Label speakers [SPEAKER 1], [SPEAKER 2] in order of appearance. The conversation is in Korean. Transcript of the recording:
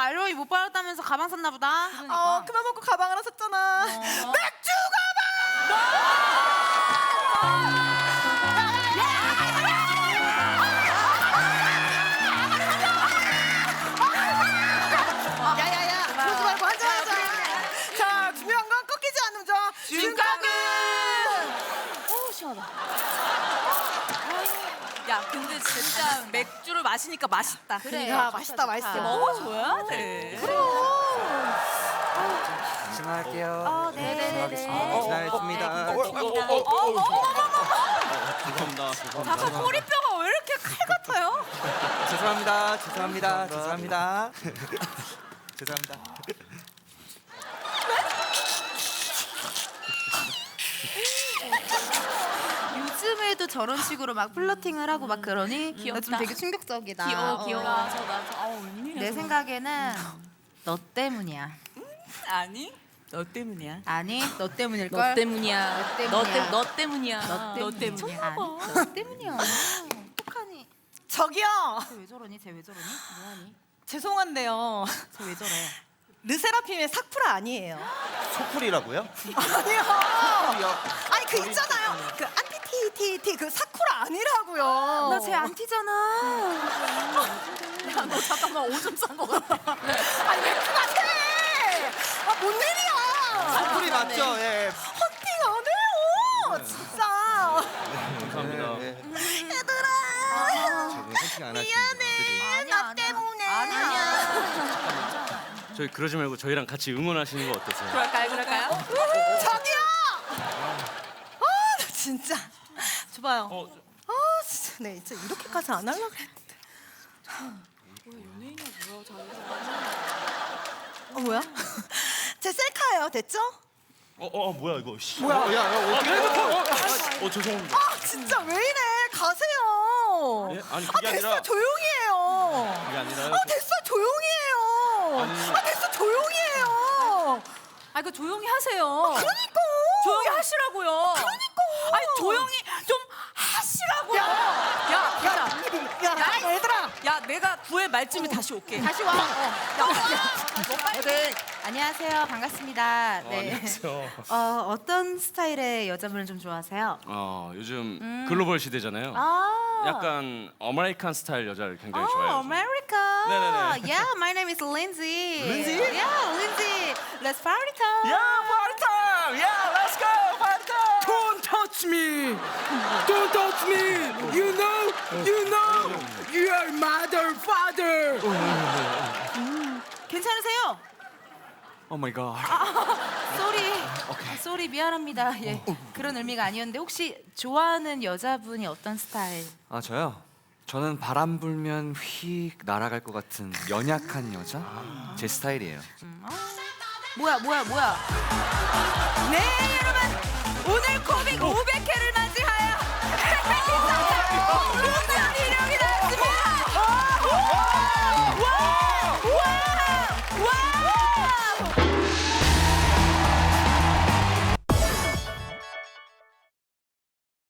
[SPEAKER 1] 알로이 못 받았다면서 가방 샀나 보다.
[SPEAKER 2] 그만 먹고 가방 하나 샀잖아. 맥주 가방! 야야야, 그러지 말고 한잔하자. 자, 중요한 건 꺾이지 않는 점.
[SPEAKER 1] 윤곽은!
[SPEAKER 2] 시원하다.
[SPEAKER 1] 야, 근데 진짜 맥주를 마시니까 맛있다.
[SPEAKER 2] 그래. 야, 맛있다, 맛있어.
[SPEAKER 1] 먹어줘야 돼.
[SPEAKER 3] 진행할게요.
[SPEAKER 2] 네네네.
[SPEAKER 3] 진행하겠습니다.
[SPEAKER 4] 죄송합니다.
[SPEAKER 1] 잠깐 꼬리뼈가 왜 이렇게 칼 같아요?
[SPEAKER 3] 죄송합니다. 죄송합니다.
[SPEAKER 1] 요즘에도 저런 식으로 막 플러팅을 하고 막 그러니
[SPEAKER 5] 귀엽다.
[SPEAKER 1] 좀 되게 충격적이다.
[SPEAKER 5] 귀여워.
[SPEAKER 1] 내 생각에는 너 때문이야.
[SPEAKER 5] 아니? 너 때문이야.
[SPEAKER 1] 아니, 너 때문일걸?
[SPEAKER 5] 너 때문이야.
[SPEAKER 1] 너 때문이야.
[SPEAKER 5] 너 때문이야.
[SPEAKER 1] 너 때문이야. 아니, 너 때문이야. 어떡하니?
[SPEAKER 2] 저기요.
[SPEAKER 1] 쟤 왜 저러니? 뭐하니?
[SPEAKER 2] 죄송한데요.
[SPEAKER 1] 쟤 왜 저래?
[SPEAKER 2] 르세라핌의 사쿠라 아니에요.
[SPEAKER 3] 소풀이라고요?
[SPEAKER 2] 아니요. 아니 그 있잖아요. 그 안티티티티 그 사쿠라 아니라고요.
[SPEAKER 1] 나 쟤 안티잖아.
[SPEAKER 5] 야, 너 잠깐만 오줌 싼 거 같아.
[SPEAKER 2] 아니 맥주가 새. 뭔 일이야.
[SPEAKER 3] 소풀이 맞죠? 예.
[SPEAKER 2] 헌팅 안 해요. 진짜.
[SPEAKER 4] 감사합니다.
[SPEAKER 2] 얘들아.
[SPEAKER 3] 헌팅 안 미안해.
[SPEAKER 2] 나 때문에.
[SPEAKER 1] 아니야.
[SPEAKER 4] 저희 그러지 말고 저희랑 같이 응원하시는 거 어떠세요?
[SPEAKER 5] 그럴까요?
[SPEAKER 2] 저기요. 나 진짜. 줘봐요. 진짜 네 진짜 이렇게까지 안 하려고 했는데. 연예인이야 뭐야? 제 셀카예요. 됐죠?
[SPEAKER 4] 뭐야 이거?
[SPEAKER 3] 뭐야? 야,
[SPEAKER 4] 죄송합니다.
[SPEAKER 2] 진짜 왜 이래? 가세요.
[SPEAKER 4] 예? 아니, 그게
[SPEAKER 2] 됐어
[SPEAKER 4] 아니라-
[SPEAKER 2] 조용히 해요.
[SPEAKER 4] 그게 아니라요.
[SPEAKER 2] 됐어 조용히 해요.
[SPEAKER 4] 아니.
[SPEAKER 2] 됐어 조용히 해요.
[SPEAKER 5] 아, 그 조용히 하세요.
[SPEAKER 2] 그러니까.
[SPEAKER 5] 조용히 하시라고요.
[SPEAKER 2] 그러니까.
[SPEAKER 5] 아니, 조용히 좀 하시라고요.
[SPEAKER 2] 야, 얘들아.
[SPEAKER 5] 야, 내가 구의 말쯤에 다시 올게.
[SPEAKER 1] 다시 와.
[SPEAKER 5] 너 빨리.
[SPEAKER 1] 안녕하세요. 반갑습니다. 네.
[SPEAKER 4] 안녕하세요.
[SPEAKER 1] 어떤 스타일의 여자분을 좀 좋아하세요?
[SPEAKER 4] 요즘 글로벌 시대잖아요. 약간 아메리칸 스타일 여자를 굉장히 좋아해요.
[SPEAKER 1] America.
[SPEAKER 4] 네네네.
[SPEAKER 1] Yeah, my name is Lindsay.
[SPEAKER 3] Lindsay?
[SPEAKER 1] Yeah, Lindsay. Let's party time.
[SPEAKER 3] party time! Yeah, let's go! Party time!
[SPEAKER 6] Don't touch me! Don't touch me! You know, you are mother, father.
[SPEAKER 1] 괜찮으세요?
[SPEAKER 3] Oh my god.
[SPEAKER 1] 쏘리 미안합니다. 예, 그런 의미가 아니었는데 혹시 좋아하는 여자분이 어떤 스타일?
[SPEAKER 3] 아, 저요? 저는 바람 불면 휙 날아갈 것 같은 연약한 여자? 제 스타일이에요.
[SPEAKER 1] 뭐야? 네, 여러분 오늘 코빅 500회를 맞이하여 오늘